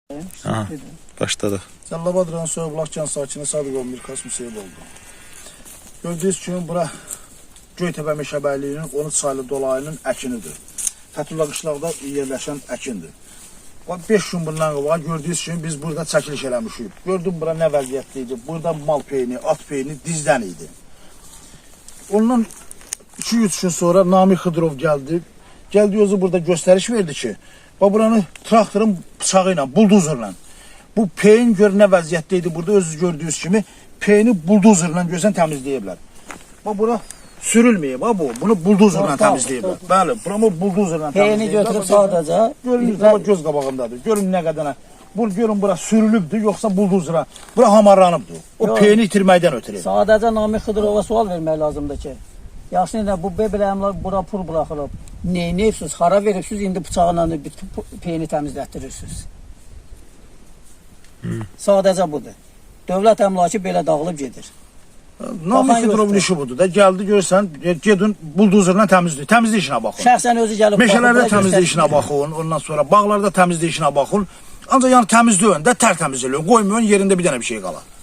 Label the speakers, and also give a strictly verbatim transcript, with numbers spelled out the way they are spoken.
Speaker 1: Aha, başladı.
Speaker 2: Cəllabad rayon Soyublaq kənd sakini Sadıqov Mirkas Müseyev oldu. Gördüyünüz kimi bura Göytəpə meşəbəyliyinin on üç saylı dolayının əkinidir. Fətulla qışlaqda yerləşən əkindir. beş gün bundan qabaq gördüyünüz kimi biz burada çəkiliş eləmişik. Gördüm bura nə vəziyyətdə idi. Burada mal peyni, at peyni dizdən idi. Ondan iki üç gün sonra Nami Xıdırov gəldi. Gəldi özü burada göstəriş verdi ki, buranı traktorun bıçağı ilə, bulduzerlə. Bu peyin gör nə vəziyyətdə idi. Burada özünüz gördüyünüz kimi peyini bulduzerlə görsən təmizləyiblər. Bax bura sürülməyib ha bu. Bunu bulduzerlə təmizləyiblər. Bəli, buramı bulduzerlə təmizləyiblər.
Speaker 3: Peyini götürüb sadəcə
Speaker 2: görünür ama göz qabağındadır. Görün nə qədənə. Bu görün bura sürülübdür yoxsa bulduzera. Bura hamarlanıbdır. O Yo, peyini itirməkdən ötürü.
Speaker 3: Sadəcə Nami Xıdırova sual vermək lazımdır ki, yaxşı nə bu bebeləmlər bura pul buraxılıb. Neynəyibsiz, hara veribsiz, indi bıçaqla peyini təmizlətdirirsiniz. Hmm. Sadəcə budur. Dövlət əmlakı belə dağılıb gedir.
Speaker 2: Nami Xıdırovun işi budur da. Gəldi görsən, gedin bulduzerlə təmizləyin. Təmizlik işinə baxın.
Speaker 3: Şəxsən özü gəlib
Speaker 2: meşələrdə təmizlik işinə baxın, ondan sonra bağlarda təmizlik işinə baxın. Ancaq yəni təmizləyin də, tərtəmiz eləyin. Qoymayın yerində bir dənə bir şey qala.